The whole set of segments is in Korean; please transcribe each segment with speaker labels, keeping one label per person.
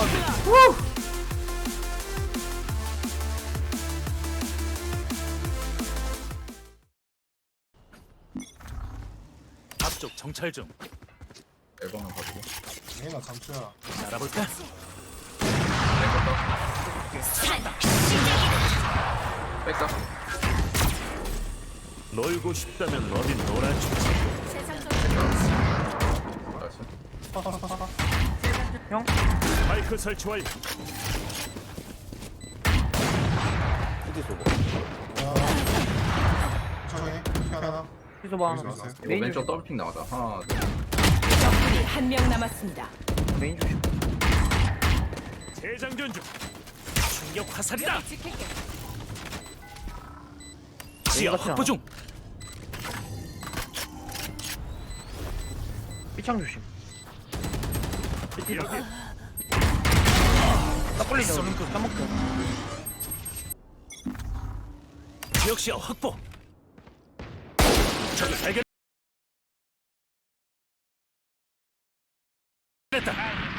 Speaker 1: 앞쪽 정찰 중.
Speaker 2: 앨범은 가지고
Speaker 3: 얘나 잠수야.
Speaker 1: 날아볼까?
Speaker 2: 뺄까?
Speaker 1: 놀고 싶다면 어딘 놀아주지.
Speaker 2: 알았어.
Speaker 1: 마이크 설치 완료.
Speaker 3: 천천히. 하나.
Speaker 4: 피소봐.
Speaker 3: 여기서 왔어요.
Speaker 2: 이거
Speaker 4: 메인
Speaker 2: 왼쪽 더블픽 나가자. 하나, 둘.
Speaker 5: 적군이 한 명 남았습니다.
Speaker 4: 메인 조심.
Speaker 1: 재장전 중. 충격 화살이다.
Speaker 5: 지킬게.
Speaker 1: 지하
Speaker 4: 같지
Speaker 1: 확보
Speaker 4: 않아?
Speaker 1: 중.
Speaker 4: 삐창 조심.
Speaker 1: 여기
Speaker 4: 딱 걸리죠.
Speaker 1: 쏘는군.
Speaker 4: 까먹죠.
Speaker 1: 지역 시야 확보. 적을 발견. 됐다.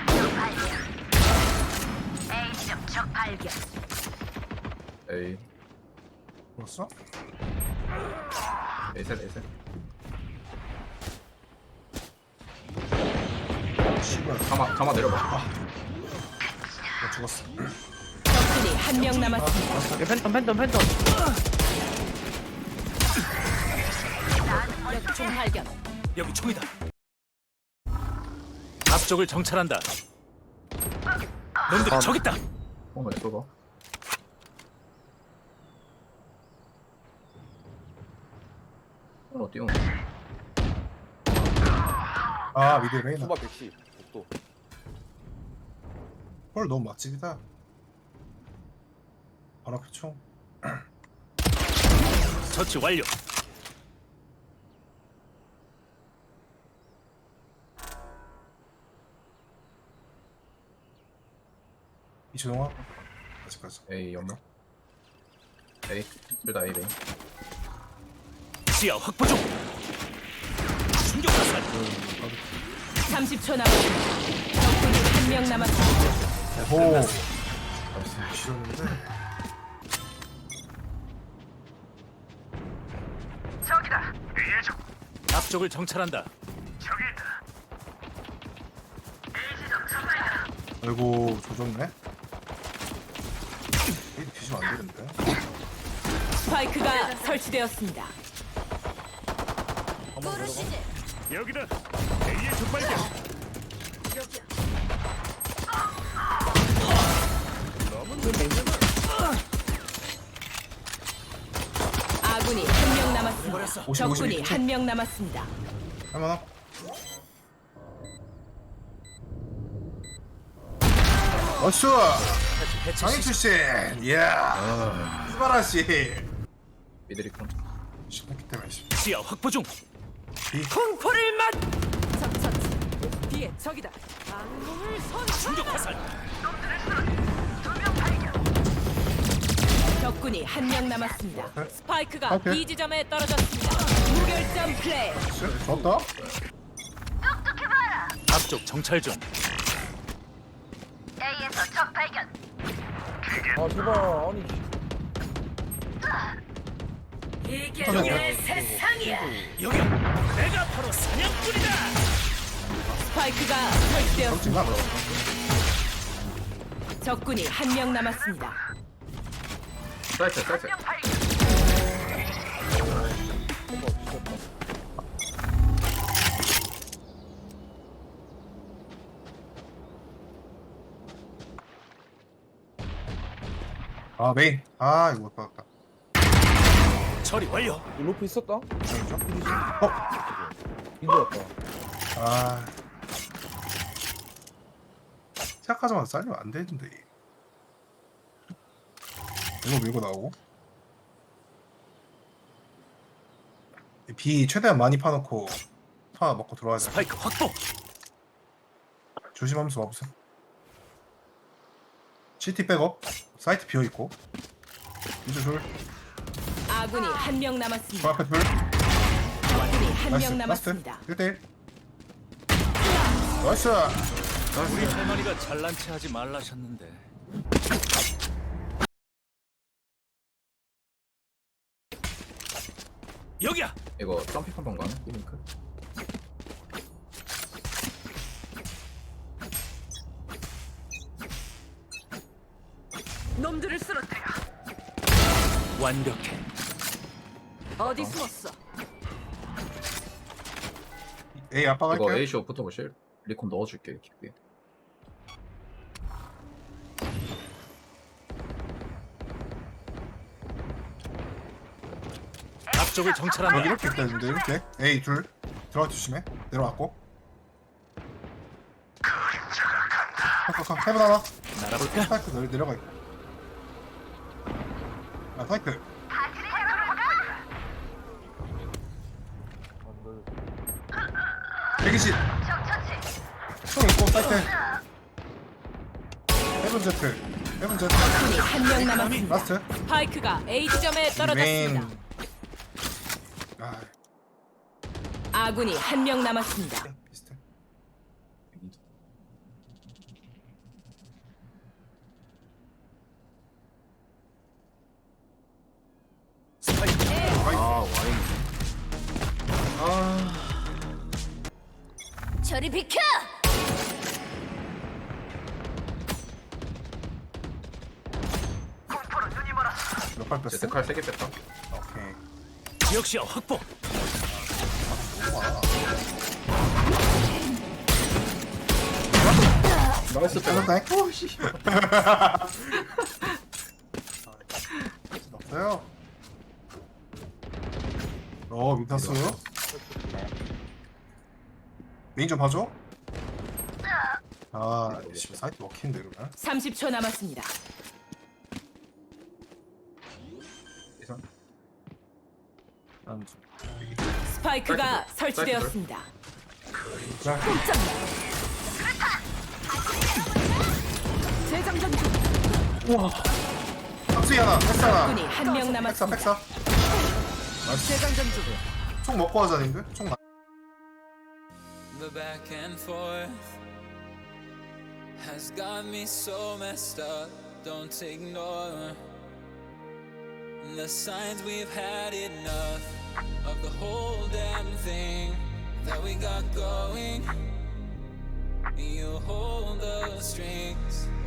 Speaker 5: 적 발견.
Speaker 2: 에이,
Speaker 3: 죽었어?
Speaker 2: 에이셋, 에이셋.
Speaker 3: 씨발.
Speaker 2: 가마 내려봐.
Speaker 3: 나 죽었어.
Speaker 5: 적군이 한 명 남았습니다.
Speaker 4: 야, 팬텀.
Speaker 5: 총 발견.
Speaker 1: 여기 총이다. 앞쪽을 정찰한다. 놈들이 저기 있다.
Speaker 2: 나 쏘봐. 뛰어오네.
Speaker 3: 아 미드 레이나.
Speaker 6: 수박 110 복도.
Speaker 3: 헐 너무 맛집이다. 바로 앞에 총.
Speaker 1: 처치 완료.
Speaker 3: 이준홍아. 아직까지.
Speaker 2: 에이, 연마. 에이, 둘다 에이, 메인.
Speaker 1: 지하 확보 중. 충격 화살.
Speaker 5: 30초 남았습니다. 적군이 한 명 남았습니다.
Speaker 3: 오.
Speaker 2: 나이스.
Speaker 3: 지렸는데.
Speaker 1: 앞쪽을 정찰한다.
Speaker 3: 아이고 조졌네. 이리 뒤지면 안 되는데.
Speaker 5: 스파이크가 설치되었습니다.
Speaker 1: 여기다. A의 적발견.
Speaker 5: 아군이 한 명 남았습니다.
Speaker 3: 50,
Speaker 5: 적군이
Speaker 3: 52.
Speaker 5: 한 명 남았습니다.
Speaker 3: 할만하? 어쭈! 장애 출신! 이야! 스바라시!
Speaker 2: 미드리콘.
Speaker 3: 신났기 때문에 씨.
Speaker 1: 지하 확보 중.
Speaker 5: 공포를 맞. 적 뒤에 적이다. 방공을 선.
Speaker 1: 충격 화살.
Speaker 5: 적군이 한 명 남았습니다. 스파이크가
Speaker 3: 스파이크.
Speaker 5: B 지점에 떨어졌습니다. 무결점 플레이.
Speaker 3: 좋았다?
Speaker 1: 앞쪽 정찰 중.
Speaker 6: 아 제발 아니.
Speaker 5: 이게 내 세상이야.
Speaker 1: 여기야. 내가 바로 사냥꾼이다.
Speaker 5: 스파이크가 설치되었습니다.
Speaker 3: 정말
Speaker 5: 적군이 한 명 남았습니다.
Speaker 2: 사이트.
Speaker 3: 아 메인. 아 이거 못 받았다.
Speaker 1: 처리 완료.
Speaker 6: 로프 있었다?
Speaker 3: 어?
Speaker 6: 이거였다.
Speaker 3: 아 시작하자마자 잘리면 안 되는데. 이거 밀고 나오고 B 최대한 많이 파놓고 파 먹고 들어와야 돼.
Speaker 1: 스파이크 확보.
Speaker 3: 조심하면서 와보세요. CT 백업 사이트 비어있고 이제 둘
Speaker 5: 아군이 한 명
Speaker 3: 그
Speaker 5: 남았습니다.
Speaker 3: 앞에 둘
Speaker 5: 적군이 한
Speaker 3: 나이스
Speaker 5: 명
Speaker 3: 라스트
Speaker 5: 남았습니다.
Speaker 3: 1대1 나이스
Speaker 1: 우리 할머니가 잘난 체 하지 말라셨는데. 여기야.
Speaker 2: 이거 점핑 한번 가는? 삐링크?
Speaker 5: 놈들을 쓰러뜨려.
Speaker 1: 완벽해.
Speaker 5: 어디 숨었어?
Speaker 3: A 압박
Speaker 2: 이거
Speaker 3: 할게요.
Speaker 2: A쇼 붙어보실? 리콘 넣어줄게 킥비에.
Speaker 1: 앞쪽을
Speaker 3: 여기
Speaker 1: 정찰한다.
Speaker 3: 이렇게 있다 했는데 이렇게 A 둘 들어가 조심해. 내려왔고. 해본 하나.
Speaker 1: 날아볼까?
Speaker 3: 스파이크 내려가 있고. 아 스파이크. 대기실. 총 있고 스파이크. 헤븐 제트. 헤븐 제트.
Speaker 5: 적군이 한 명 남았습니다.
Speaker 3: 라스트.
Speaker 5: 스파이크가 A 지점에 떨어졌습니다.
Speaker 3: 메인. 아
Speaker 5: 아군이 한 명 남았습니다.
Speaker 3: 비슷해.
Speaker 1: 스파이크.
Speaker 2: 아 와인. 아
Speaker 5: 저리 비켜!
Speaker 3: 몇발 뺐어?
Speaker 2: 제트칼 3개 뺐다.
Speaker 3: 오케이.
Speaker 1: 지역시야 확보.
Speaker 3: 너무 많아.
Speaker 2: 나이스 빼.
Speaker 3: 뺏었다. 오씨. 없어요. 민타스. 메인 좀 봐줘. 아, 씨, 사이트 먹히는데 이러면.
Speaker 5: 30초 남았습니다.
Speaker 2: 이상.
Speaker 3: 난
Speaker 5: 스파이크가
Speaker 2: 사이트
Speaker 5: 설치되었습니다.
Speaker 3: 자,
Speaker 5: 재장전 중.
Speaker 3: 탑승이 하나, 패스 하나.
Speaker 5: 적군이 한 명
Speaker 3: 백사,
Speaker 5: 남았습니다.
Speaker 3: 백사.
Speaker 5: 재장전 중.
Speaker 3: 총 먹고 하자, 님들. 총 나.
Speaker 4: The back and forth has got me so messed up. Don't ignore the signs. We've had enough of the whole damn thing that we got going. You hold the strings.